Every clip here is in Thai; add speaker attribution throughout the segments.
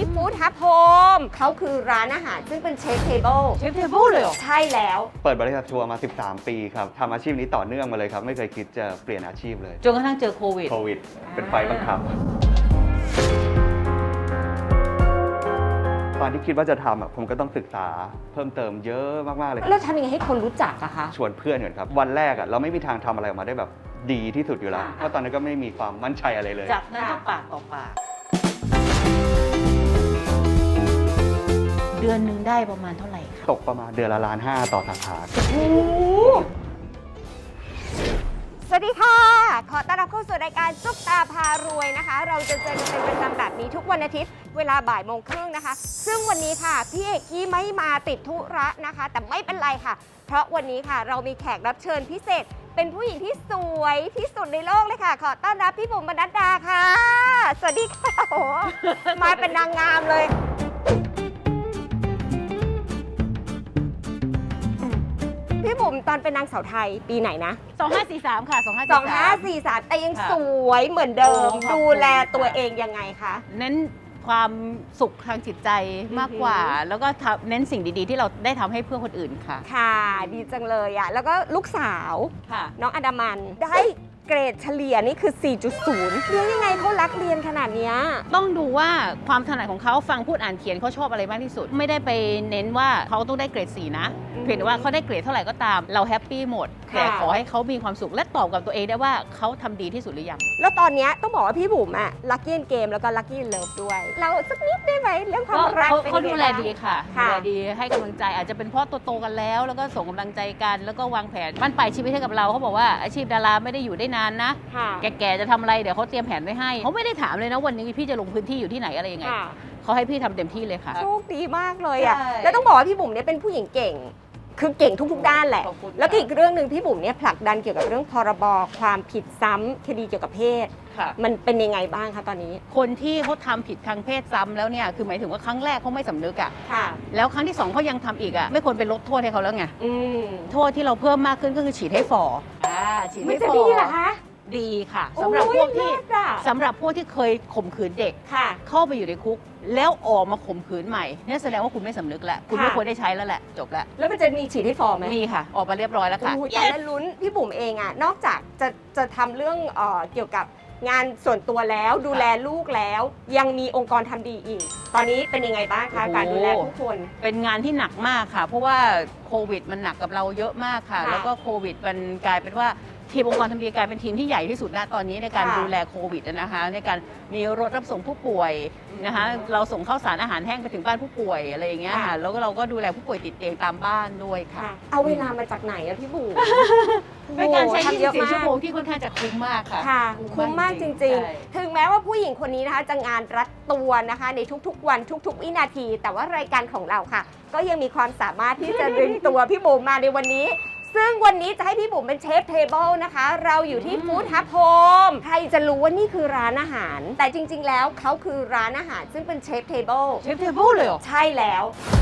Speaker 1: ฟู้ดฮับโฮมเขาคือร้านอาหารซึ่งเป็นเชฟเทเบิล
Speaker 2: เชฟเทเบิลเลยเหรอ
Speaker 1: ใช่แล้ว
Speaker 3: เปิดบริษัททัวร์มา 13 ปีครับทำอาชีพนี้ต่อเนื่องมาเลยครับ ไม่เคยคิดจะเปลี่ยนอาชีพเลย
Speaker 2: จนกระทั่งเจอโควิด
Speaker 3: โควิด เป็นไฟบังคับ ตอนที่คิดว่าจะทำผมก็ต้องศึกษาเพิ่มเติมเยอะมากๆเลย
Speaker 1: แล้วทำยังไงให้คนรู้จักอะคะ
Speaker 3: ชวนเพื่อนก่อนครับ วันแรกเราไม่มีทางทำอะไรออกมาได้แบบดีที่สุดอยู่แล้ว เพราะตอนนั้นก็ไม่มีความมั่นใจอะไรเลย
Speaker 2: จากนั้นก็ปากต่อปาก เดือนหนึ่งได้ประมาณเท่าไหร่คะ
Speaker 3: ตกประมาณเดือนละ1.5 ล้านต่อสาขา
Speaker 1: สวัสดีค่ะ ขอต้อนรับเข้าสู่รายการซุปตาพารวยนะคะ เราจะเจอกันเป็นประจำแบบนี้ทุกวันอาทิตย์เวลาบ่ายโมงครึ่งนะคะ ซึ่งวันนี้ค่ะพี่เอกกี้ไม่มาติดธุระนะคะ แต่ไม่เป็นไรค่ะ เพราะวันนี้ค่ะเรามีแขกรับเชิญพิเศษ เป็นผู้หญิงที่สวยที่สุดในโลกเลยค่ะ ขอต้อนรับพี่บุ๋มบรรณัดดาค่ะ สวัสดีค่ะโอ้โหมาเป็นนางงามเลย พี่บุ๋มตอนเป็นนางสาวไทยปีไหนนะ
Speaker 2: 2543 ค่ะ
Speaker 1: 2543 แต่ยังสวยเหมือนเดิม
Speaker 2: โอ้ขอบคุณ
Speaker 1: ดูแลตัวเองยังไงคะ
Speaker 2: เน้นความสุขทางจิตใจมากกว่า แล้วก็เน้นสิ่งดีๆ ที่เราได้ทำให้เพื่อคนอื่นค่ะ
Speaker 1: ค่ะ ดีจังเลยอะแล้วก็ลูกสาว
Speaker 2: ค่ะ
Speaker 1: น้องอดามันได้เกรดเฉลี่ยนี่คือ 4.0 เรียนยังไงเขารักเรียนขนาดเนี้ย
Speaker 2: ต้องดูว่าความถนัดของเขาฟังพูดอ่านเขียนเขาชอบอะไรมากที่สุด ไม่ได้ไปเน้นว่าเขาต้องได้เกรด 4 นะ เพียงแต่ว่าเขาได้เกรดเท่าไหร่ก็ตาม เราแฮปปี้หมด
Speaker 1: ค่ะ
Speaker 2: แต่ขอให้เขามีความสุขและตอบกับตัวเองได้ว่าเขาทำดีที่สุดหรือยัง
Speaker 1: แล้วตอนเนี้ยต้องบอกว่าพี่บุ๋มอะลักกี้เกมแล้วก็ลักกี้เลิฟด้วย เราสักนิดได้ไหมเรื่องความรักเป็น
Speaker 2: เขา
Speaker 1: ยังไง
Speaker 2: ดูแล
Speaker 1: บ้าง
Speaker 2: ดีค่ะดู
Speaker 1: ค่ะ
Speaker 2: แลดีให้กำลังใจอาจจะเป็นเพราะโตๆกันแล้ว แล้วก็ส่งกำลังใจกันแล้วก็วางแผนบ้านปลายชีวิตให้กับเราเขาบอกว่าอาชีพดาราไม่ได้อยู่ได้นานนะ
Speaker 1: ค่ะ
Speaker 2: แก่ๆจะทำอะไรเดี๋ยวเขาเตรียมแผนไว้ให้เขาไม่ได้ถามเลยนะวันนี้พี่จะลงพื้นที่อยู่ที่ไหนอะไรยังไง
Speaker 1: ค่ะ
Speaker 2: เขาให้พี่ทำเต็มที่เลยค่ะ
Speaker 1: โชคดีมากเลยอะ
Speaker 2: ใช่
Speaker 1: แล้วต้องบอกว่าพี่บุ๋มเนี่ยเป็นผู้หญิงเก่ง คือเก่งทุกๆด้านแหละ
Speaker 2: ขอบคุณค่ะ
Speaker 1: แล้วก็อีกเรื่องหนึ่งพี่บุ๋มเนี่ยผลักดันเกี่ยวกับเรื่องพรบความผิดซ้ำคดีเกี่ยวกับเพศ
Speaker 2: ค่ะ
Speaker 1: มันเป็นยังไงบ้างคะตอนนี้
Speaker 2: คนที่เขาทำผิดทางเพศซ้ำแล้วเนี่ยคือหมายถึงว่าครั้งแรกเขาไม่สำนึกอะ
Speaker 1: ค่ะ
Speaker 2: แล้วครั้งที่สองเขายังทำอีกอะไม่ควรเป็นลดโทษให้เขาแล้วไง
Speaker 1: อืม
Speaker 2: โทษที่เราเพิ่มมากขึ้นก็คือฉีดให้ฝ่อฉีด
Speaker 1: มัน
Speaker 2: ให้
Speaker 1: จะ
Speaker 2: ฝ่อ
Speaker 1: ดีเหรอคะ
Speaker 2: ดีค่ะสำหรับพวกที่
Speaker 1: โอ้ยเลิศอะ
Speaker 2: สำหรับพวกที่เคยข่มขืนเด็ก
Speaker 1: ค่ะ
Speaker 2: เข้าไปอยู่ในคุก แล้วออกมาข่มขืนใหม่เนี่ยแสดงว่าคุณไม่สำนึกแล้วคุณไม่
Speaker 1: ค่ะ
Speaker 2: ควรได้ใช้แล้วแหละจบแล้ว
Speaker 1: แล้วมันจะมีฉีดให้ฟอร์มไหม
Speaker 2: มีค่ะ ออกมาเรียบร้อยแล้วค่ะ
Speaker 1: โอ้ยแต่ละลุ้นพี่บุ๋มเองอะนอกจากจะทำเรื่องเกี่ยวกับงานส่วนตัวแล้วดูแลลูกแล้ว ยังมีองค์กรทำดีอีก ตอนนี้เป็นยังไงบ้างคะ
Speaker 2: โอ้โห
Speaker 1: การดูแลผู้คน
Speaker 2: เป็นงานที่หนักมากค่ะ เพราะว่าโควิดมันหนักกับเราเยอะมากค่ะ
Speaker 1: ค่ะ
Speaker 2: แล้วก็โควิดมันกลายเป็นว่าทีมองค์กรทำดีกลายเป็นทีมที่ใหญ่ที่สุดณตอนนี้ในการ
Speaker 1: ค่ะ
Speaker 2: ดูแลโควิดนะคะในการมีรถรับส่งผู้ป่วยนะคะเราส่งข้าวสารอาหารแห้งไปถึงบ้านผู้ป่วยอะไรอย่างเงี้ย
Speaker 1: ค่ะ
Speaker 2: ค่ะแล้วก็เราก็ดูแลผู้ป่วยติดเตียงตามบ้านด้วยค่ะ
Speaker 1: ค่ะ เอาเวลามาจากไหนอะพี่บุ๋ม
Speaker 2: เป็นการใช้
Speaker 1: โอ้โหทำเยอะ
Speaker 2: 24
Speaker 1: มาก
Speaker 2: ชั่วโมงที่ค่อนข้างจะคุ้มมากค่ะ
Speaker 1: ค่ะ คุ้มมากจริง
Speaker 2: ใช่
Speaker 1: ๆ ถึงแม้ว่าผู้หญิงคนนี้นะคะจะงานรัดตัวนะคะ ในทุกๆวันทุกๆ วินาที แต่ว่ารายการของเราค่ะ ก็ยังมีความสามารถที่จะดึงตัวพี่บุ๋มมาในวันนี้ ซึ่งวันนี้จะให้พี่บุ๋มเป็นเชฟเทเบิลนะคะ เราอยู่ที่ฟู้ดฮับโฮมใครจะรู้ว่านี่คือร้านอาหาร แต่จริง ๆ แล้วเขาคือร้านอาหารซึ่งเป็นเชฟเทเบิล
Speaker 2: เชฟเทเบิลเลยเหรอ
Speaker 1: ใช่แล้ว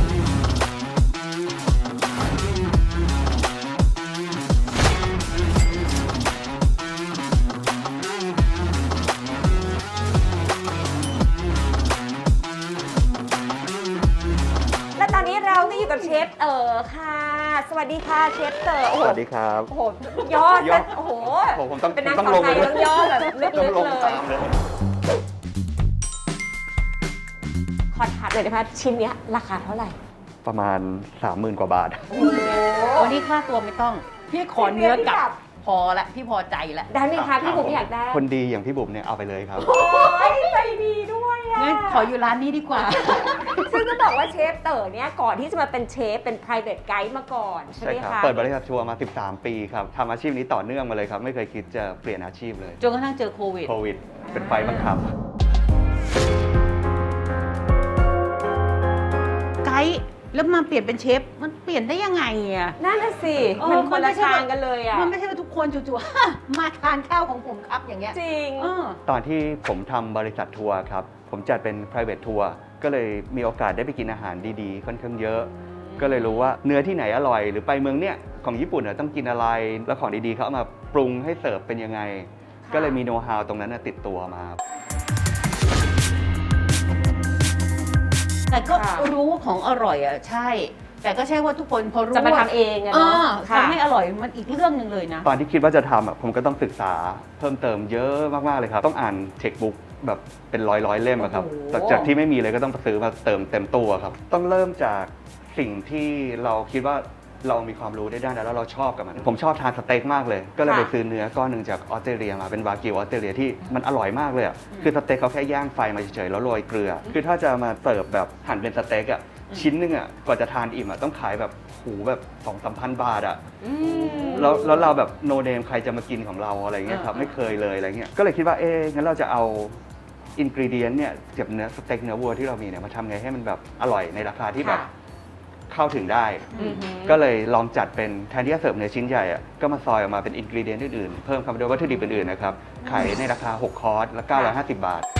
Speaker 1: และตอนนี้เราก็อยู่กับเชฟเต๋อค่ะ สวัสดีค่ะเชฟเต๋อโอ้
Speaker 3: ส
Speaker 1: โห
Speaker 3: วัสดีครับ
Speaker 1: โอ้โหยอด
Speaker 3: ยอด
Speaker 1: โอ้โห
Speaker 3: ผมต้อง
Speaker 1: เป็นนาง
Speaker 3: ต้อง
Speaker 1: สาว
Speaker 3: ลง
Speaker 1: ไท
Speaker 3: ไป
Speaker 1: ย
Speaker 3: ด้วย
Speaker 1: ต้องย่อแบบลึ
Speaker 3: ต้อง
Speaker 1: ก
Speaker 3: ล
Speaker 1: ๆ
Speaker 3: ง
Speaker 1: เล
Speaker 3: ตาย มเลย
Speaker 1: ขอถามเลยนะคะชิ้นเนี้ยราคาเท่าไหร่
Speaker 3: ประมาณ 30,000 กว่าบาท
Speaker 1: โอ้โห
Speaker 2: วันนี้ค่าตัวไม่ต้อง พี่ขอเนื้อกลับ พอละพี่พอใจละ
Speaker 1: ได้ไหมคะพี่บุ๋มอยากได้
Speaker 3: คนดีอย่างพี่บุ๋มเนี่ยเอาไปเลยครับ
Speaker 1: โอ้ยใจดีด้วยอะ
Speaker 2: งั้นขออยู่ร้านนี้ดีกว่า
Speaker 1: ซึ่งก็บอกว่าเชฟเต๋อเนี่ยก่อนที่จะมาเป็นเชฟเป็น private guide มาก่อนใช่ไห
Speaker 3: ใช่
Speaker 1: ม
Speaker 3: ครับ
Speaker 1: คะ
Speaker 3: เปิดบริษัททัวร์มา 13 ปีครับทำอาชีพนี้ต่อเนื่องมาเลยครับ ไม่เคยคิดจะเปลี่ยนอาชีพเลย
Speaker 2: จนกระทั่งเจอโควิด
Speaker 3: โควิด เป็นไฟบังคับ
Speaker 2: ไกด์แล้วมาเปลี่ยนเป็นเชฟ มันเปลี่ยนได้ยังไงอ่ะ
Speaker 1: นั่นน่ะสิ
Speaker 2: เออ
Speaker 1: มันคน
Speaker 2: มันไม่
Speaker 1: ละ
Speaker 2: ใช่
Speaker 1: ทางกันเลยอ่ะ
Speaker 2: มันไม่ใช่ว่าทุกคนจู่ๆ มาทานข้าวของผมครับอย่างเงี้ย
Speaker 1: จริง
Speaker 2: เออ
Speaker 3: ตอนที่ผมทำบริษัททัวร์ครับ ผมจัดเป็น private ทัวร์ก็เลยมีโอกาสได้ไปกินอาหารดีๆ ค่อนข้างเยอะ ก็เลยรู้ว่าเนื้อที่ไหนอร่อย หรือไปเมืองเนี้ยของญี่ปุ่นเนี่ยต้องกินอะไร แล้วของดีๆเขาเอามาปรุงให้เสิร์ฟเป็นยังไง
Speaker 1: ค่ะ
Speaker 3: ก็เลยมีโน้ตฮาวตรงนั้นนะติดตัวมา
Speaker 2: แต่ก็
Speaker 1: ค่ะ
Speaker 2: รู้ว่าของอร่อยอ่ะใช่ แต่ก็ใช่ว่าทุกคนพอรู้
Speaker 1: จะมา
Speaker 2: ว่า
Speaker 1: ทำเองอะเนาะค่ะ
Speaker 2: ทำให้อร่อยมันอีกเรื่องหนึ่งเลยนะ
Speaker 3: ตอนที่คิดว่าจะทำผมก็ต้องศึกษาเพิ่มเติมเยอะมากๆเลยครับต้องอ่านเทคบุ๊กแบบเป็นร้อยเล่มอะครับ
Speaker 1: โอ้โห
Speaker 3: แต่จากที่ไม่มีเลยก็ต้องซื้อมาเติมเต็มตัวครับต้องเริ่มจากสิ่งที่เราคิดว่าเรามีความรู้ได้ด้านนั้นแล้วเราชอบกับมันผมชอบทานสเต็กมากเลย ก็เลยไปซื้อเนื้อก้อนหนึ่งจากออสเตรเลียมาเป็นวากิวออสเตรเลียที่มันอร่อยมากเลยอะคือสเต็กเขาแค่ย่างไฟมาเฉยๆแล้วโรยเกลือ คือถ้าจะมาเสิร์ฟแบบหั่นเป็นสเต็กอะชิ้นนึงอะกว่าจะทานอิ่มอะต้องขายแบบหูแบบ2-3 พันบาทอะ แล้วเราแบบโนเนมใครจะมากินของเราอะไรเงี้ยครับไม่เคยเลยอะไรเงี้ยก็เลยคิดว่างั้นเราจะเอาอินกรีเดียนเนี่ยเก็บเนื้อสเต็กเนื้อวัวที่เรามีเนี่ยมาทำไงให้มันแบบอร่อยในราคาที่แบบเข้าถึงได้ ก็เลยลองจัดเป็นแทนที่จะเสิร์ฟเนื้อชิ้นใหญ่อะก็มาซอยออกมาเป็นอินกรีเดียนอื่นๆเพิ่มคำด้วยวัตถุดิบอื่นๆนะครับขายในราคา6คอร์สและ950 บาท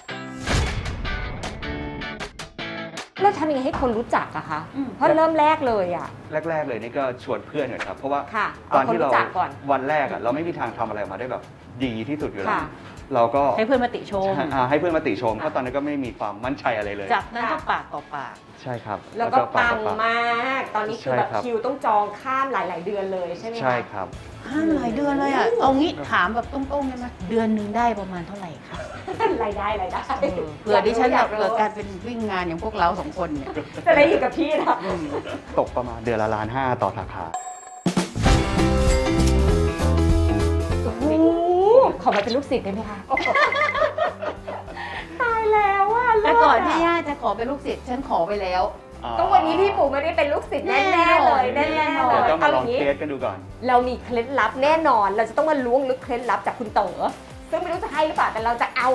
Speaker 1: แล้วทำยังไงให้คนรู้จักอะคะ
Speaker 2: อืม
Speaker 1: เพราะเริ่มแรกเลยอะ
Speaker 3: แรกๆเลยนี่ก็ชวนเพื่อนก่อนครับเพราะว่า
Speaker 1: ค่ะ
Speaker 3: ตอนที่
Speaker 1: เอาคนรู้
Speaker 3: เรา
Speaker 1: จักก่อน
Speaker 3: วันแรกอะเราไม่มีทางทำอะไรออกมาได้แบบดีที่สุดอยู่แล้ว
Speaker 1: ค่ะ
Speaker 3: เราก็
Speaker 2: ให้เพื่อนมาติชม
Speaker 3: ให้เพื่อนมาติชมเพราะตอนนั้นก็ไม่มีความมั่นใจอะไรเลย
Speaker 2: จากนั้นก็ปากต่อปาก
Speaker 3: ใช่ครับ
Speaker 1: แล้วก็
Speaker 3: ปา
Speaker 1: ปั
Speaker 3: ก
Speaker 1: ง
Speaker 3: ต่อปาก
Speaker 1: มาก ตอนนี้คือแบบ
Speaker 3: ใช่ครับ
Speaker 1: คิวต้องจองข้ามหลาย ๆ เดือนเลยใช่ไหมคะ
Speaker 3: ใช่ครับ
Speaker 2: ห้ามหลายเดือนเลยอ่ะ เอางี้ถามแบบตรงๆได้ไหมเดือนหนึ่งได้ประมาณเท่าไหร่คะ
Speaker 1: รายได้
Speaker 2: เผื่อดิฉัน
Speaker 1: อ
Speaker 2: แบ
Speaker 1: ยา
Speaker 2: บ
Speaker 1: รู้
Speaker 2: เกิดการเป็นวิ่งงานอย่างพวกเราสองคนเนี่ย
Speaker 1: จะได้อยู่กับพี่นะ
Speaker 3: ตกประมาณเดือนละ1.5 ล้านต่อสาขา
Speaker 1: โอ้โหขอมาเป็นลูกศิษย์ได้ไหมคะ ตายแล้วอ่ะ
Speaker 2: แต่ก่อนที่
Speaker 1: เลิศะ
Speaker 2: ย่าจะขอเป็นลูกศิษย์ฉันขอไปแล้ว
Speaker 1: ก็วันนี้พี่ปู่ไม่ได้เป็นลูกศิษย์แน่ๆเลยแน่ๆเล
Speaker 3: เดี๋ยวย ต้องมา
Speaker 1: เอา
Speaker 3: ล
Speaker 1: อ
Speaker 3: อง
Speaker 1: ย่างนี้
Speaker 3: เทสกันดูก่อน
Speaker 1: เรามีเคล็ดลับแน่นอน เราจะต้องมาล้วงลึกเคล็ดลับจากคุณเต๋อซึ่งไม่รู้จะให้หรือเปล่าแต่เราจะเอา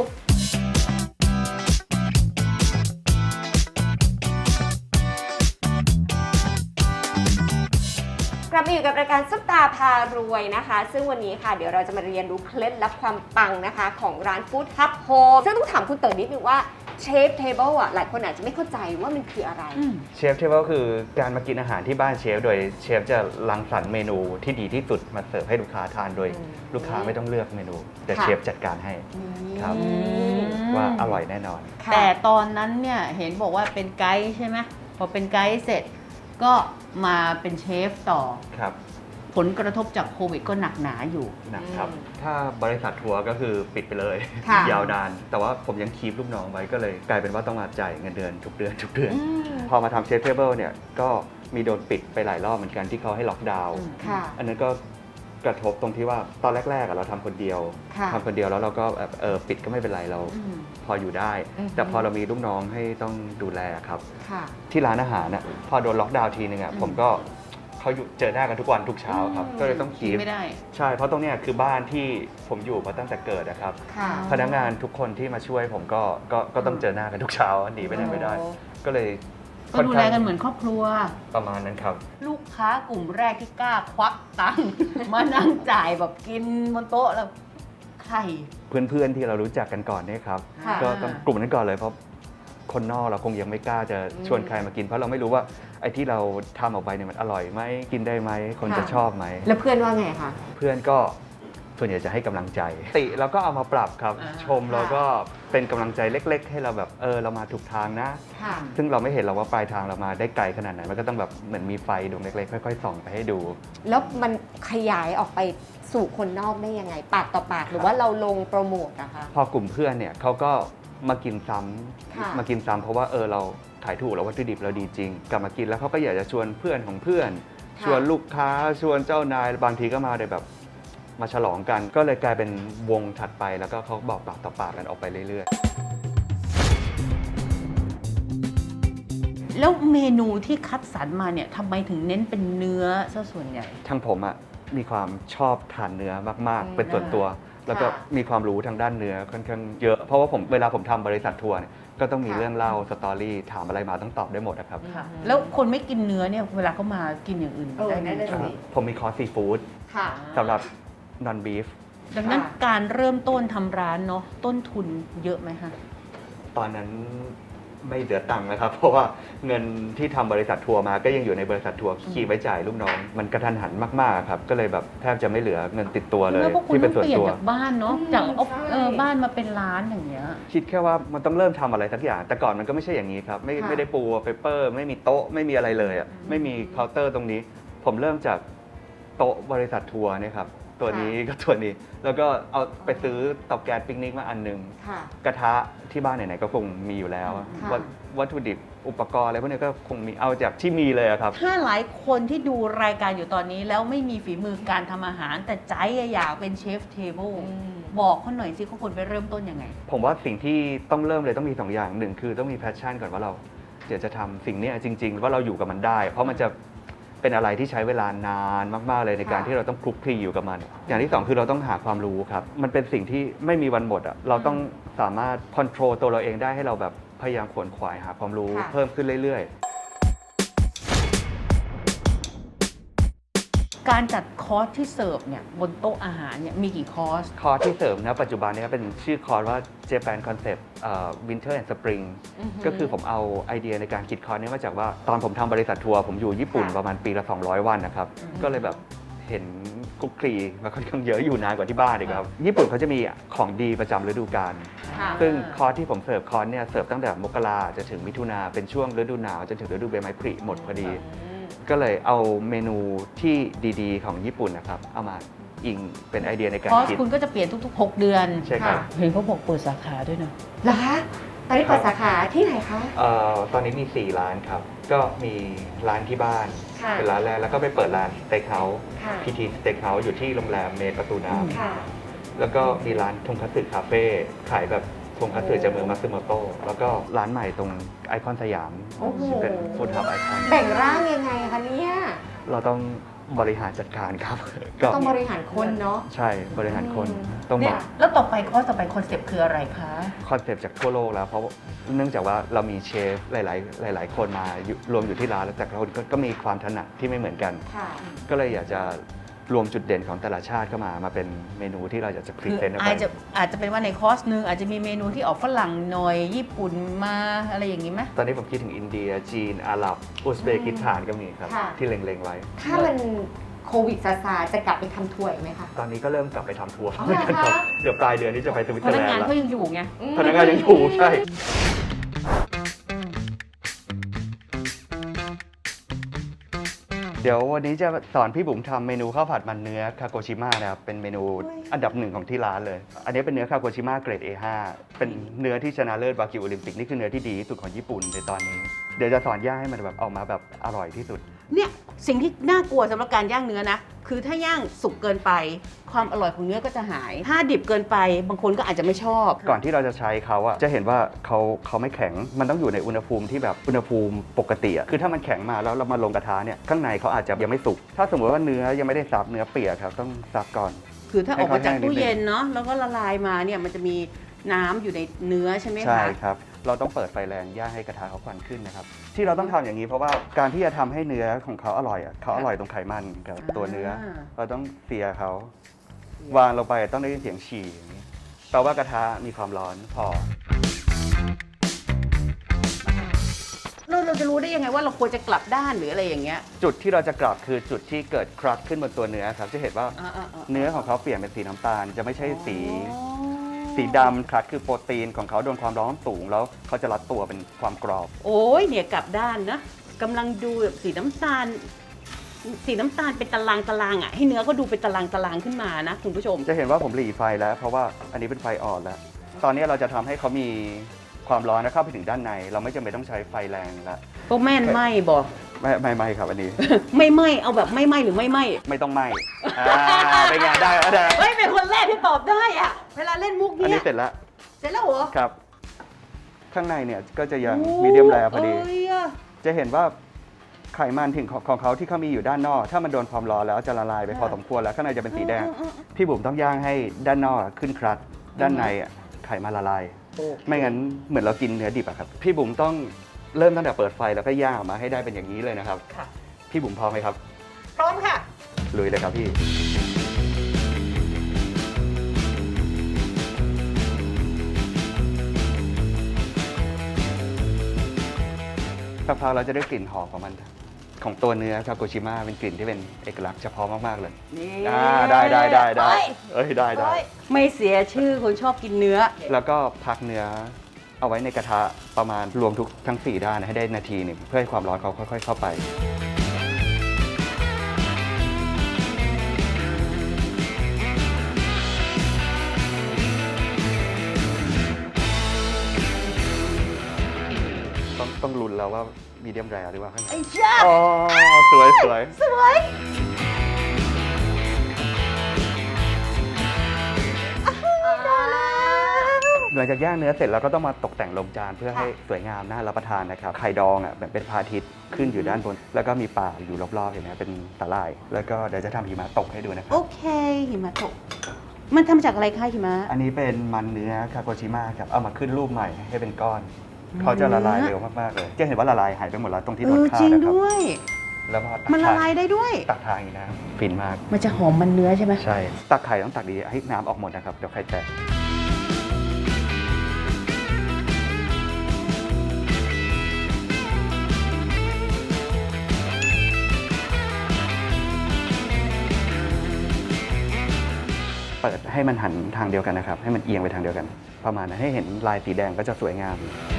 Speaker 1: กลับมาอยู่กับรายการซุปตาพารวยนะคะ ซึ่งวันนี้ค่ะเดี๋ยวเราจะมาเรียนรู้เคล็ดลับความปังนะคะของร้านฟู้ดฮับโฮมซึ่งต้องถามคุณเต๋อนิดนึงว่าเชฟเทเบิลอ่ะหลายคนอาจจะไม่เข้าใจว่ามันคืออะไร
Speaker 3: เชฟเทเบิลคือการมากินอาหารที่บ้านเชฟโดยเชฟจะรังสรรค์เมนูที่ดีที่สุดมาเสิร์ฟให้ลูกค้าทานโดย
Speaker 1: อืม
Speaker 3: ลูกค้าไม่ต้องเลือกเมนู แต่
Speaker 1: ค่ะ
Speaker 3: เชฟจัดการให้ ครับ ว่าอร่อยแน่นอน
Speaker 1: ค่ะ
Speaker 2: แต่ตอนนั้นเนี่ยเห็นบอกว่าเป็นไกด์ใช่ไหมพอเป็นไกด์เสร็จก็มาเป็นเชฟต่อ
Speaker 3: ครับ
Speaker 2: ผลกระทบจากโควิดก็หนักหนาอยู่
Speaker 3: นะครับ ถ้าบริษัททัวร์ก็คือปิดไปเลย
Speaker 1: ค่ะ
Speaker 3: ยาวนาน แต่ว่าผมยังคีปลูกน้องไว้ก็เลยกลายเป็นว่าต้องมาจ่ายเงินเดือนทุกเดือน พอมาทำเชฟเทเบิลเนี่ยก็มีโดนปิดไปหลายรอบเหมือนกันที่เขาให้ล็อกดาวน์
Speaker 1: ค่ะ
Speaker 3: อันนั้นก็กระทบตรงที่ว่าตอนแรกๆเราทำคนเดียว
Speaker 1: ค่ะ
Speaker 3: ทำคนเดียวแล้วเราก็แบบปิดก็ไม่เป็นไรเราพออยู่ได้
Speaker 1: อือฮึ
Speaker 3: แต่พอเรามีลูกน้องให้ต้องดูแลครับ
Speaker 1: ค่ะ
Speaker 3: ที่ร้านอาหารน่ะพอโดนล็อกดาวน์ทีนึงอ่ะผมก็เขาอยู่เจอหน้ากันทุกวันทุกเช้าครับ ก็เลยต้องคีป
Speaker 2: ไม่ได้
Speaker 3: ใช่เพราะตรงเนี้ยคือบ้านที่ผมอยู่มาตั้งแต่เกิดนะครับ
Speaker 1: ค่ะ
Speaker 3: พนักงานทุกคนที่มาช่วยผมก็ต้องเจอหน้ากันทุกเช้าหนีไปไหนไม่ได้ ก็เลย
Speaker 2: ก็ดูแลกันเหมือนครอบครัว
Speaker 3: ประมาณนั้นครับ
Speaker 2: ลูกค้ากลุ่มแรกที่กล้าควักตังค์ มานั่งจ่ายแบบกินบนโต๊ะแล้วใคร
Speaker 3: เพื่อนๆที่เรารู้จักกันก่อนเนี่ยครับ
Speaker 1: ค่ะ
Speaker 3: ก็ต้องกลุ่มนั้นก่อนเลยเพราะคนนอกเราคงยังไม่กล้าจะชวนใครมากิน เพราะเราไม่รู้ว่าไอ้ที่เราทำออกไปเนี่ยมันอร่อยไหมกินได้ไหมคนจะชอบไหม
Speaker 1: แล้วเพื่อนว่าไงคะ
Speaker 3: เพื่อนก็ส่วนใหญ่จะให้กำลังใจติเราก็เอามาปรับครับ
Speaker 2: อ่า
Speaker 3: ชมเราก็เป็นกำลังใจเล็ก ๆ ให้เราแบบเรามาถูกทางนะ
Speaker 1: ค่ะ
Speaker 3: ซึ่งเราไม่เห็นเราว่าปลายทางเรามาได้ไกลขนาดไหนมันก็ต้องแบบเหมือนมีไฟดวงเล็กๆค่อยๆส่องไปให้ดู
Speaker 1: แล้วมันขยายออกไปสู่คนนอกได้ยังไง ปากต่อปากหรือว่าเราลงโปรโมทนะคะ
Speaker 3: พอกลุ่มเพื่อนเนี่ยเขาก็มากินซ้
Speaker 1: ค่ะ
Speaker 3: ำมากินซ้ำเพราะว่าเราขายถูกแล้ววัตถุดิบเราดีจริง กลับมากินแล้วเขาก็อยากจะชวนเพื่อนของเพื่อน
Speaker 1: ค่ะ
Speaker 3: ชวนลูกค้าชวนเจ้านายบางทีก็มาเลยแบบมาฉลองกัน ก็เลยกลายเป็นวงถัดไปแล้วก็เขาบอกปากต่อปากกันออกไปเรื่อยๆ
Speaker 2: แล้วเมนูที่คัดสรรมาเนี่ยทำไมถึงเน้นเป็นเนื้อซะส่วนใหญ่
Speaker 3: ทางผมอะมีความชอบทานเนื้อมาก
Speaker 1: อืม
Speaker 3: ๆ เป็นส่วนตัว แล้วก็มีความรู้ทางด้านเนื้อค่อนข้างเยอะ เพราะว่าเวลาผมทำบริษัททัวร์เนี่ยก็ต้องมีเรื่องเล่าสตอรี่ถามอะไรมาต้องตอบได้หมดนะครับ
Speaker 2: แล้วคนไม่กินเนื้อเนี่ยเวลาเขามากินอย่างอื่นได้ไหม
Speaker 1: นั่นน่ะสิ
Speaker 3: ผมมีคอร์สซีฟู้ด
Speaker 1: ค่ะ
Speaker 3: สำหรับนอนบีฟ
Speaker 2: ดังนั้น
Speaker 1: ค่ะ
Speaker 2: การเริ่มต้นทำร้านเนาะต้นทุนเยอะไหมคะ
Speaker 3: ตอนนั้นไม่เหลือตังค์นะครับ เพราะว่าเงินที่ทำบริษัททัวร์มาก็ยังอยู่ในบริษัททัวร์ขี่ไว้จ่ายลูกน้องมันกระทันหันมากๆครับก็เลยแบบแทบจะไม่เหลือเงินติดตัวเลย
Speaker 2: แล้วพวกคุณ
Speaker 3: ที่
Speaker 2: ต้
Speaker 3: เป็
Speaker 2: อน ง
Speaker 3: ส่วน
Speaker 2: เปลี่ยน
Speaker 3: ตัว
Speaker 2: จากบ้านเนาะจาก
Speaker 1: ใช่
Speaker 2: บ้านมาเป็นร้านอย่างเงี้ย
Speaker 3: คิดแค่ว่ามันต้องเริ่มทำอะไรสักอย่าง แต่ก่อนมันก็ไม่ใช่อย่างนี้ครับ ไม่ได้ปูเปเปอร์ไม่มีโต๊ะไม่มีอะไรเลยอ่ะไม่มีเคาน์เตอร์ตรงนี้ ผมเริ่มจากโต๊ะบริษัททัวร์เนี่ยครับตัวนี้ก็ตัวนี้ แล้วก็เอาไปซื้อเตาแก๊สปิกนิกมาอันหนึง
Speaker 1: ค่ะ
Speaker 3: กระทะที่บ้านไหนๆก็คงมีอยู่แล้ว
Speaker 1: ค่ะ
Speaker 3: วัตถุดิบอุปกรณ์อะไรพวกนี้ก็คงมีเอาจากที่มีเลยอะครับ
Speaker 2: ถ้าหลายคนที่ดูรายการอยู่ตอนนี้แล้วไม่มีฝีมือการทำอาหาร แต่ใจอยากเป็นเชฟเทเบิลบอกเขาหน่อยสิเขาควรไปเริ่มต้นยังไง
Speaker 3: ผมว่าสิ่งที่ต้องเริ่มเลยต้องมี2อย่างหนึ่งคือต้องมีแพชชั่นก่อนว่าเราอยากจะทำสิ่งเนี้ยจริงๆว่าเราอยู่กับมันได้ เพราะมันจะเป็นอะไรที่ใช้เวลานานมากๆเลยในการ
Speaker 1: ค่ะ
Speaker 3: ที่เราต้องคลุกคลีอยู่กับมัน อย่างที่2คือเราต้องหาความรู้ครับมันเป็นสิ่งที่ไม่มีวันหมดอ่ะเราต้องสามารถคอนโทรลตัวเราเองได้ให้เราแบบพยายามขวนขวายหาความรู้
Speaker 1: ค่ะ
Speaker 3: เพิ่มขึ้นเรื่อยๆ
Speaker 2: การจัดคอร์สที่เสิร์ฟเนี่ยบนโต๊ะอาหารเนี่ยมีกี่คอร์ส
Speaker 3: คอร์สที่เสริมนะปัจจุบันเนี้เป็นชื่อคอร์สว่า Japan Concept Winter and Spring ก็คือผมเอาไอเดียในการคิดคอร์สนี้มาจากว่าตอนผมทำบริษัททัวร์ผมอยู่ญี่ปุ่น
Speaker 1: ค่ะ
Speaker 3: ประมาณปีละ 200 วันนะครับ ก็เลยแบบเห็นคุกคลีมาค่อนข้างเยอะอยู่นานกว่าที่บ้านอีกครับ ญี่ปุ่นเขาจะมีของดีประจำฤดูกาล
Speaker 2: ค่ะ
Speaker 3: ซึ่งคอร์สที่ผมเสิร์ฟคอร์สเนี่ยเสิร์ฟตั้งแต่มกราจะถึงมิถุนาเป็นช่วงฤดูหนาวจนถึงฤดูใบไม้ผลิหมดพอดี ก็เลยเอาเมนูที่ดีๆ ของญี่ปุ่นนะครับเอามาอิงเป็นไอเดียในการ
Speaker 2: คอร์ส
Speaker 3: คิด
Speaker 2: คุณก็จะเปลี่ยนทุกๆ 6 เดือน
Speaker 3: ใช่ครับ
Speaker 2: เห็นเขาบอกเปิดสาขาด้วยเนาะ
Speaker 1: เหรอคะตอนนี้เปิดสาขาที่ไหนคะ
Speaker 3: ตอนนี้มี 4 ร้านครับ ก็มีร้านที่บ้าน
Speaker 1: ค่ะ
Speaker 3: เป็นร้านแรก แล้วก็ไปเปิดร้านสเต็กเฮาส์
Speaker 1: ค่ะ
Speaker 3: พีทีสเต็กเฮาส์อยู่ที่โรงแรมเมนประตูน้
Speaker 1: ค่ะ
Speaker 3: ำแล้วก็มีร้านทงคัตสึคาเฟ่ขายแบบทงคัตสึจากเมืองมัตสึโมโตะแล้วก็ร้านใหม่ตรงไอคอนสยาม
Speaker 1: โอ้โห
Speaker 3: เป็นฟู้ดฮับไอคอน
Speaker 1: แบ่งร่างยังไงคะเนี่ย
Speaker 3: เราต้องบริหารจัดการครับ
Speaker 1: ต้องบริหารคนเนาะ
Speaker 3: ใช่บริหารคนต้อง
Speaker 2: เนี่
Speaker 3: บ
Speaker 2: ย
Speaker 3: อก
Speaker 2: แล้วต่อไปคอร์สต่อไปคอนเซปต์คืออะไรคะ
Speaker 3: คอนเซปต์จากทั่วโลกแล้ว เพราะเนื่องจากว่าเรามีเชฟหลาย ๆ คนมาอยู่รวมอยู่ที่ร้านแล้วแต่ละคนก็มีความถนัดที่ไม่เหมือนกัน
Speaker 1: ค่ะ
Speaker 3: ก็เลยอยากจะรวมจุดเด่นของแต่ละชาติเข้ามาเป็นเมนูที่เราอยากจะพรี
Speaker 2: คือ
Speaker 3: เซนต์ออกไป
Speaker 2: อาจจะเป็นว่าในคอร์สหนึ่งอาจจะมีเมนูที่ออกฝรั่งหน่อยญี่ปุ่นมาอะไรอย่างนี้ไหม
Speaker 3: ตอนนี้ผมคิดถึงอินเดีย จีน อาหรับ อุซเบกิสถานก็มีครับ
Speaker 1: ค่ะ
Speaker 3: ที่เล็ง ๆ ไว้
Speaker 1: ถ้ามันโควิดซาซาจะกลับไปทำทัวร์อีกไหมคะ
Speaker 3: ตอนนี้ก็เริ่มกลับไปทำทัวร์
Speaker 1: อ๋อเหรอคะ
Speaker 3: กันครับเดี๋ยวปลายเดือนนี้จะไปสวิต
Speaker 2: พ
Speaker 3: เซอร์
Speaker 2: นัก
Speaker 3: แลน
Speaker 2: งาน
Speaker 3: ด์แล้ว
Speaker 2: เขายังอยู่ไง
Speaker 3: พนักงานยังอยู่ใช่ เดี๋ยววันนี้จะสอนพี่บุ๋มทำเมนูข้าวผัดมันเนื้อคาโกชิมะนะครับเป็นเมนูอันดับหนึ่งของที่ร้านเลย อันนี้เป็นเนื้อคาโกชิมะเกรด A5 เป็นเนื้อที่ชนะเลิศวากิวโอลิมปิกนี่คือเนื้อที่ดีที่สุดของญี่ปุ่นในตอนนี้ เดี๋ยวจะสอนย่างให้มันแบบออกมาแบบอร่อยที่สุด
Speaker 2: เนี่ยสิ่งที่น่ากลัวสำหรับการย่างเนื้อนะ คือถ้าย่างสุกเกินไป ความอร่อยของเนื้อก็จะหาย ถ้าดิบเกินไปบางคนก็อาจจะไม่ชอบ
Speaker 3: ก่อนที่เราจะใช้เขาอะจะเห็นว่าเขาไม่แข็งมันต้องอยู่ในอุณหภูมิที่แบบอุณหภูมิปกติอะคือถ้ามันแข็งมาแล้วเรามาลงกระทะเนี่ยข้างในเขาอาจจะยังไม่สุกถ้าสมมติว่าเนื้อยังไม่ได้ซับเนื้อเปียกครับต้องซับก่อน
Speaker 2: คือถ้าออกมาจากตู้
Speaker 3: ให้เขาแห้งนิดนึง
Speaker 2: เย็นเนาะแล้วก็ละลายมาเนี่ยมันจะมีน้ำอยู่ในเนื้อใช่ไหมคะ
Speaker 3: ใช่ครับ เราต้องเปิดไฟแรงย่างให้กระทะเขาควันขึ้นนะครับ ที่เราต้องทำอย่างนี้เพราะว่าการที่จะทำให้เนื้อของเขาอร่อยอ่ะเขาอร่อยตรงไขมันกับตัวเนื้อ เราต้องเสียเขาวางลงไปต้องได้ยินเสียงฉี่อย่างนี้แปลว่ากระทะมีความร้อนพอ
Speaker 2: เราจะรู้ได้ยังไงว่าเราควรจะกลับด้านหรืออะไรอย่างเงี้ย
Speaker 3: จุดที่เราจะกลับคือจุดที่เกิดครักขึ้นบนตัวเนื้อครับจะเห็นว่าเนื้อของเขาเปลี่ยนเป็นสีน้ำตาล จะไม่ใช่สีดำครัดคือโปรตีนของเขาโดนความร้อนสูงแล้วเขาจะรัดตัวเป็นความกรอบ
Speaker 2: โอ้ยเนี่ยกลับด้านนะกำลังดูแบบสีน้ำตาลเป็นตารางอ่ะให้เนื้อก็ดูเป็นตารางขึ้นมานะคุณผู้ชม
Speaker 3: จะเห็นว่าผมหลีไฟแล้ว เพราะว่าอันนี้เป็นไฟอ่อนแล้ว ตอนนี้เราจะทำให้เขามีความร้อนนะเข้าไปถึงด้านใน เราไม่จำเป็นต้องใช้ไฟแรงแล้ว
Speaker 2: พวกแม่นไหมบอก
Speaker 3: ไม่ครับอันนี้
Speaker 2: ไม่ไหมเอาแบบไม่ไหมหรือไม่ไหม
Speaker 3: ไม่ต้องไหมเป็นไงได้แล้วได้
Speaker 2: เฮ้ยเป็นคนแรกที่ตอบได้อะเวลาเล่นมุก
Speaker 3: อัน
Speaker 2: เนี้
Speaker 3: นี้
Speaker 2: ย
Speaker 3: เสร็จแล้ว
Speaker 2: เสร็จแล้วเหรอ
Speaker 3: ครับ ข้างในเนี่ยก็จะยังมีเดียมแรพอดี
Speaker 2: เอ้ยอะ
Speaker 3: จะเห็นว่าไขมันถึงของเขาที่เขามีอยู่ด้านนอก ถ้ามันโดนความร้อนแล้วจะละลายไปพอสมควรแล้วข้างในจะเป็นสีแดง พี่บุ๋มต้องย่างให้ด้านนอกขึ้นครัดด้านในไขมันละลาย ไม่งั้นเหมือนเรากินเนื้อดิบอะครับ พี่บุ๋มต้องเริ่มตั้งแต่เปิดไฟแล้วก็ย่างออกมาให้ได้เป็นอย่างนี้เลยนะครับ
Speaker 2: ค่ะ
Speaker 3: พี่บุ๋มพร้อมไหมครับ
Speaker 2: พร้อมค่ะ
Speaker 3: ลุยเลยครับพี่สักพักเราจะได้กลิ่นหอมของมันของตัวเนื้อคาโกชิมะเป็นกลิ่นที่เป็นเอกลักษณ์เฉพาะมากๆเลย
Speaker 4: นี่
Speaker 3: ได้ได้ได้
Speaker 4: เฮ้ย
Speaker 3: เอ้ยได้ได้
Speaker 4: ไม่เสียชื่อคนชอบกินเนื้อ
Speaker 3: แล้วก็พักเนื้อเอาไว้ในกระทะประมาณรวมทุกทั้ง4ด้านให้ได้นาทีหนึ่งเพื่อให้ความร้อนเขาค่อยๆเข้าไปต้องลุ้นแล้วว่ามีเดียมแรร์หรือว่าข้างใน
Speaker 4: ไอ้เจ้า
Speaker 3: อ๋อสวยสวย
Speaker 4: สวย
Speaker 3: หลังจากย่างเนื้อเสร็จเราก็ต้องมาตกแต่งลงจานเพื่อให้สวยงามน่ารับประทานนะครับไข่ดองอ่ะแบบเป็นพระอาทิตย์ขึ้นอยู่ด้านบน แล้วก็มีป่าอยู่รอบๆเห็นไหมเป็นสาหร่าย แล้วก็เดี๋ยวจะทำหิมะตกให้ดูนะครั
Speaker 4: โอบ เคหิมะตก มันทำจากอะไรคะหิมะ
Speaker 3: อันนี้เป็นมันเนื้อคาโกชิมะครับเอามาขึ้นรูปใหม่ให้เป็นก้อนเขาจะละลายเร็วมากๆเลยจะเห็นว่าละลายหายไปหมดแล้วตรงที่โดนฆ่า
Speaker 4: จริง
Speaker 3: นะครับ
Speaker 4: ด้วย
Speaker 3: แล้วพอตัก
Speaker 4: มันละลายได้ด้วย
Speaker 3: ตักทานอีกนะฟินมาก
Speaker 4: มันจะหอมมันเนื้อใช่ไหม
Speaker 3: ใช่ตักไข่ต้องตักดีให้น้ำออกหมดนะครับเดี๋ยวไข่แตกเปิดให้มันหันทางเดียวกันนะครับให้มันเอียงไปทางเดียวกัน ประมาณนั้นให้เห็นลายสีแดงก็จะสวยงาม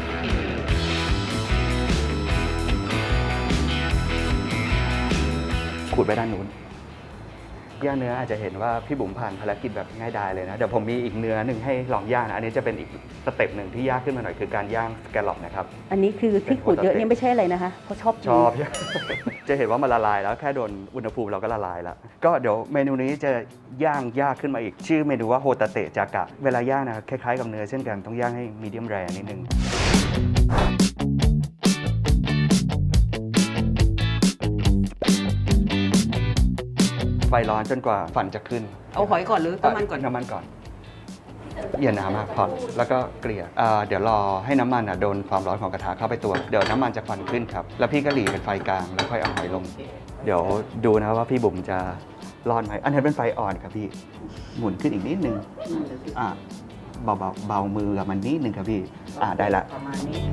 Speaker 3: ขูดไปด้านนู้นย่างเนื้ออาจจะเห็นว่าพี่บุ๋มผ่านภารกิจแบบง่ายดายเลยนะเดี๋ยวผมมีอีกเนื้อหนึ่งให้ลองย่างนะอันนี้จะเป็นอีกสเต็ปหนึ่งที่ยากขึ้นมาหน่อยคือการย่างสแกลล็อปนะครับ
Speaker 4: อันนี้คือที่ขูดเยอะเนี่ยไม่ใช่อะไรนะคะเพราะชอบกิน
Speaker 3: ชอบ จะเห็นว่ามันละลายแล้วแค่โดนอุณหภูมิเราก็ละลายแล้วก็เดี๋ยวเมนูนี้จะย่างยากขึ้นมาอีกชื่อเมนูว่าโฮตาเตะจากะเวลาย่างนะคล้ายๆกับเนื้อเช่นกันต้องย่างให้มีเดียมแรร์นิดนึงไฟร้อนจนกว่าฟันจะขึ้น
Speaker 4: เอาหอยก่อนหรือน้ำมันก่อน
Speaker 3: น้ำมันก่อนอย่าหนามากพอแล้วก็เกลี่ยเดี๋ยวรอให้น้ำมันโดนความร้อนของกระทะเข้าไปตัวเดี๋ยวน้ำมันจะควันขึ้นครับแล้วพี่ก็หลีเป็นไฟกลางแล้วค่อยเอาหอยลง เดี๋ยวดูนะว่าพี่บุ๋มจะรอดไหมอันนี้เป็นไฟอ่อนครับพี่หมุนขึ้นอีกนิดนึงเบามือกับมันนิดนึงครับพี่ได้ละ
Speaker 4: ประมาณนี้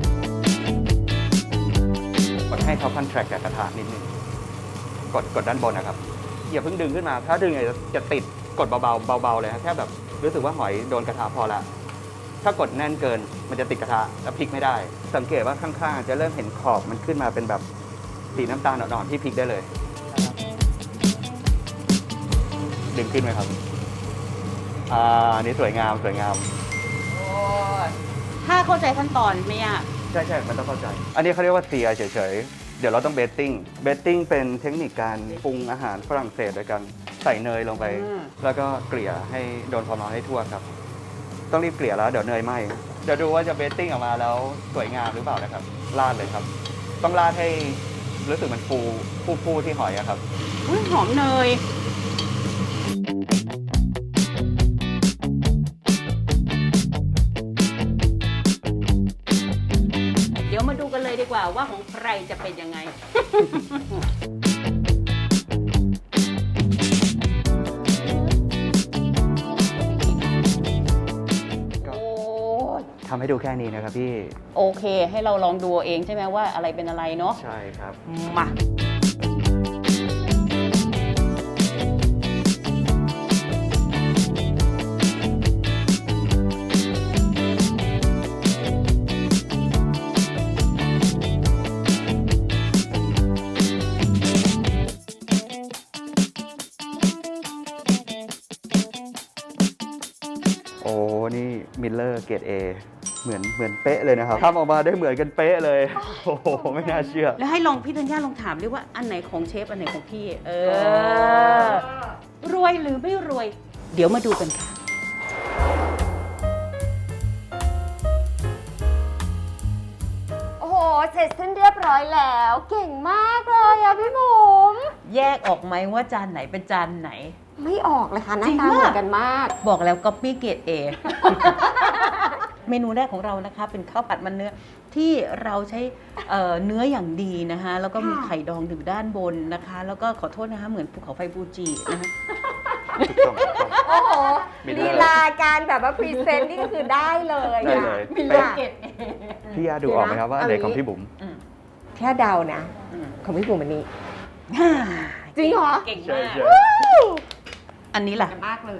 Speaker 3: กดให้เขาคอนแทรคกับกระทะนิดนึงกดด้านบนนะครับอย่าเพิ่งดึงขึ้นมาถ้าดึงจะติดกดเบาๆเลยครับแค่แบบรู้สึกว่าหอยโดนกระทะพอละถ้ากดแน่นเกินมันจะติดกระทะแล้วพลิกไม่ได้ สังเกตว่าข้างๆจะเริ่มเห็นขอบมันขึ้นมาเป็นแบบสีน้ำตาลอ่อนๆที่พลิกได้เลยดึงขึ้นไหมครับอันนี้สวยงามสวยงาม
Speaker 2: ถ้าเข้าใจขั้นตอนไม่ยาก
Speaker 3: ใช่มันต้องเข้าใจ อันนี้เขาเรียกว่าเซียเฉยๆเดี๋ยวเราต้องเบตติ้งเป็นเทคนิคการปรุงอาหารฝรั่งเศสโดยการใส่เนยลงไป แล้วก็เกลี่ยให้โดนความร้อนให้ทั่วครับ ต้องรีบเกลี่ยแล้วเดี๋ยวเนยไหม้เดี๋ยวดูว่าจะเบตติ้งออกมาแล้วสวยงามหรือเปล่านะครับราดเลยครับ ต้องราดให้รู้สึกมันฟูที่หอยอะครับ
Speaker 2: อุ๊ยหอมเนย เดี๋ยวมาดูกันเลยดีกว่าว่าของใครจะเป็นยังไง
Speaker 3: ก็ทำให้ดูแค่นี้นะครับพี่
Speaker 2: โอเค ให้เราลองดูเองใช่ไหมว่าอะไรเป็นอะไรเนาะ
Speaker 3: ใช่ครับ
Speaker 2: มา
Speaker 3: โอ้นี่มิลเลอร์เกรด A เหมือนเป๊ะเลยนะครับทำออกมาได้เหมือนกันเป๊ะเลยโอ้โหไม่น่าเชื่อ
Speaker 2: แล้วให้ลองพี่ธัญญาลองถามด้วยว่าอันไหนของเชฟอันไหนของพี่ รวยหรือไม่รวย เดี๋ยวมาดูกันค่ะ
Speaker 1: โอ้โห เสร็จสิ้นเรียบร้อยแล้ว เก่งมากเลยอะพี่บุ๋ม
Speaker 4: แยกออกไหมว่าจานไหนเป็นจานไหน
Speaker 1: ไม่ออกเลยค่ะหน้า
Speaker 4: จริง
Speaker 1: ตาเหมือ
Speaker 4: มาก
Speaker 1: นกันมาก
Speaker 4: บอกแล้วก๊อปปี้เกรด A เมนูแรกของเรานะคะเป็นข้าวผัดมันเนื้อที่เราใช้เนื้ออย่างดีนะคะแล้วก็มีไข่ดองอยู่ด้านบนนะคะ แล้วก็ขอโทษนะคะเหมือนภูเขาไฟฟูจินะคะ
Speaker 3: ถูกต้อง
Speaker 1: โอ้โห
Speaker 3: มิลเล
Speaker 1: ลี
Speaker 3: อร์
Speaker 1: ลาการแบบว่าพรีเซนต์นี่ก็คือได้เลย
Speaker 3: ได้
Speaker 1: อะ
Speaker 3: เลย
Speaker 1: มิลเลอร์
Speaker 3: พี่ยาดูออกไหมครับว่าอันไหนของพี่บุ๋ม
Speaker 4: อืม
Speaker 1: ค่เดานะ ของพี่บุ๋มอันนี้ จริงเหรอ
Speaker 4: เก่ง
Speaker 3: ใช่
Speaker 4: มาก
Speaker 3: ใช่
Speaker 4: อันนี้ล่ะ
Speaker 1: มากเลย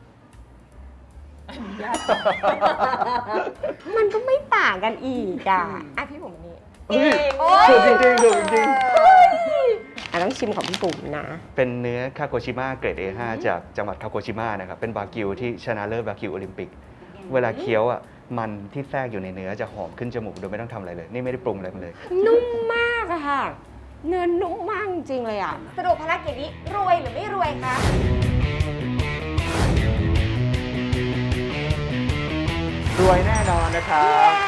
Speaker 1: มันก็ไม่ต่างกันอีกอ่ะอ่ะพี่บุ๋มอันนี้
Speaker 3: เฮ้ย
Speaker 1: โอ้ย
Speaker 3: ถูกจริงๆถูกจริง
Speaker 1: ต้องชิมของพี่บุ๋มนะ
Speaker 3: ๆเป็นเนื้อคาโกชิมะเกรด A5 จากจังหวัดคาโกชิมะนะครับ เป็นบากิวที่ชนะเลิศบากิวโอลิมปิก เวลาเคี้ยวอ่ะ มันที่แทรกอยู่ในเนื้อจะหอมขึ้นจมูกโดยไม่ต้องทำอะไรเลย นี่ไม่ได้ปรุงอะไรมันเลย
Speaker 1: นุ่มมากอะค่ะ เนื้อนุ่มมากจริงเลยอะสรุปภารกิจนี้รวยหรือไม่รวยคะ
Speaker 3: รวยแน่นอนนะครับ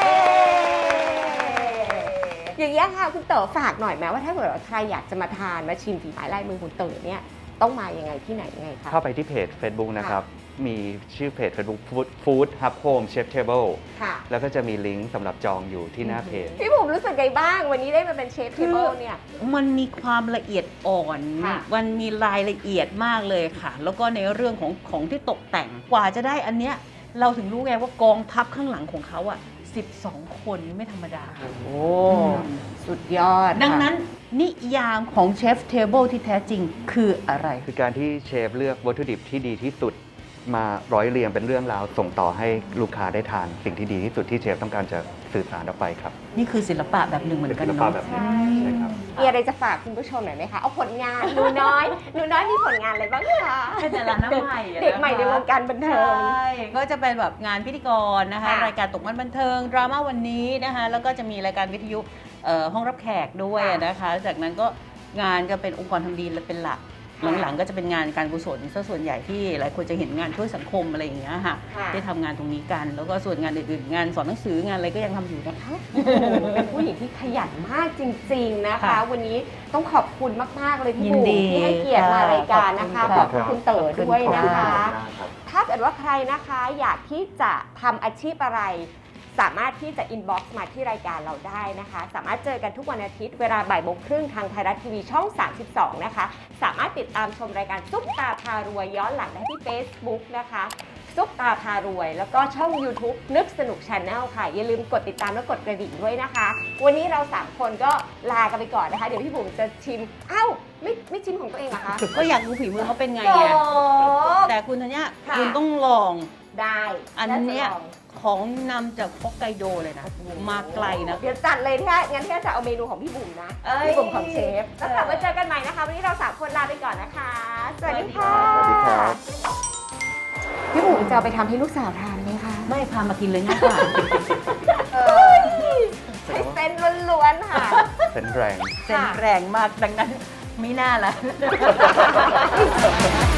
Speaker 1: อย่างนี้ยค่ะคุณเต๋อฝากหน่อยไหมว่าถ้าเกิดว่าใครอยากจะมาทานมาชิมฝีไม้ลายมือคุณเต๋อเนี่ยต้องมายังไงที่ไหนยังไงคะ
Speaker 3: เข้าไปที่เพจ Facebook นะครับ มีชื่อเพจ Facebook Food Hub Home Chef Table
Speaker 1: ค่ะ
Speaker 3: แล้วก็จะมีลิงก์สำหรับจองอยู่ที่หน้าเพจ
Speaker 1: พี่บุ๋มรู้สึกไงบ้าง วันนี้ได้มาเป็นเชฟเทเบิลเนี่ย
Speaker 4: มันมีความละเอียดอ่อน
Speaker 1: ค่ะ
Speaker 4: มันมีรายละเอียดมากเลยค่ะ แล้วก็ในเรื่องของที่ตกแต่ง กว่าจะได้อันเนี้ย เราถึงรู้ไงว่ากองทัพข้างหลังของเขาอ่ะ 12 คนไม่ธรรมดา
Speaker 1: โอ้สุดยอด
Speaker 4: ดังนั้นนิยามของเชฟเทเบิลที่แท้จริงคืออะไร
Speaker 3: คือการที่เชฟเลือกวัตถุดิบที่ดีที่สุด มาร้อยเรียงเป็นเรื่องราวส่งต่อให้ลูกค้าได้ทานสิ่งที่ดีที่สุดที่เชฟต้องการจะสื่อสารออกไปครับ
Speaker 4: นี่คือศิลปะแบบหนึ่งเหมือนกัน
Speaker 3: เป็นศิลปะ
Speaker 4: เนาะ
Speaker 3: แบบหนึ่ง ใช่ครับ
Speaker 1: มีอะไรจะฝากคุณผู้ชมหน่อยไหมคะ เอาผลงานหนูน้อยมีผลงานอะไรบ้างคะ
Speaker 4: เป็นดาราหน้าใหม่อะนะคะ
Speaker 1: เด็กใหม่ในวงการบัน
Speaker 4: ใช
Speaker 1: เทิง
Speaker 4: ่ ก็จะเป็นแบบงานพิธีกรนะคะ
Speaker 1: ค่ะ
Speaker 4: รายการตกมันบันเทิง ดราม่าวันนี้นะคะ แล้วก็จะมีรายการวิทยุห้องรับแขกด้วยนะคะ จากนั้นก็งานจะเป็นองค์กรทำดีเป็นหลัก หลังๆก็จะเป็นงานการกุศลซะส่วนใหญ่ที่หลายคนจะเห็นงานช่วยสังคมอะไรอย่างเงี้ยค่ะ
Speaker 1: ค่ะ
Speaker 4: ได้ทำงานตรงนี้กัน แล้วก็ส่วนงานอื่นๆ งานสอนหนังสืองานอะไรก็ยังทำอยู่นะคะ
Speaker 1: เป็นผู้หญิงที่ขยันมากจริง ๆนะคะ
Speaker 4: ค่ะ
Speaker 1: วันนี้ต้องขอบคุณมาก ๆ เลยพี่
Speaker 4: ยิน
Speaker 1: บุ๋ม
Speaker 4: ดี
Speaker 1: ที่ให้เกียรติมารายการนะคะ
Speaker 4: ข
Speaker 1: ข
Speaker 4: อ
Speaker 1: อ
Speaker 4: บบ คุณ
Speaker 1: คุณเต๋อด้วยนะคะ
Speaker 3: ครับ
Speaker 1: ถ้าเกิดว่าใครนะคะอยากที่จะทำอาชีพอะไร สามารถที่จะ inbox มาที่รายการเราได้นะคะ สามารถเจอกันทุกวันอาทิตย์เวลาบ่ายโมงครึ่งทางไทยรัฐทีวีช่อง 32 นะคะ สามารถติดตามชมรายการซุปตาพารวยย้อนหลังได้ที่ Facebook นะคะซุปตาพารวย แล้วก็ช่อง YouTube นึกสนุก Channel ค่ะ อย่าลืมกดติดตามและกดกระดิ่งด้วยนะคะ วันนี้เรา 3 คนก็ลากันไปก่อนนะคะ เดี๋ยวพี่บุ๋มจะชิมอ้าวไม่ชิมของตัวเองเหรอคะ
Speaker 4: ก็อยากดูฝีมือเขาเป็นไง
Speaker 1: โอ้
Speaker 4: ไงแต่คุณธัญญา
Speaker 1: ค่ะ
Speaker 4: คุณต้องลอง
Speaker 1: ได้
Speaker 4: อันเนี้ย
Speaker 1: าจะลอง
Speaker 4: ของนำจากฮอกไกโดเลยนะ มาไกลนะ
Speaker 1: เดี๋ยวจัดเลยที่งั้นที่จะเอาเมนูของพี่บุ๋มนะ
Speaker 4: เอ้ย
Speaker 1: พี่บุ๋มของเชฟ แล้วกลับมาเจอกันใหม่นะคะ วันนี้เราสามคนลาไปก่อนนะคะ สวัสดีค่ะ
Speaker 3: สวัสดีครับ
Speaker 1: พี่บุ๋มจะเอาไปทำให้ลูกสาวทานไหมคะ
Speaker 4: ไม่พามากินเลยง่ายกว่า
Speaker 1: ใช้เส้นล้วนๆค่ะ
Speaker 3: เป็นแรง
Speaker 4: เส้นแรงมากดังนั้นไม่น่าละ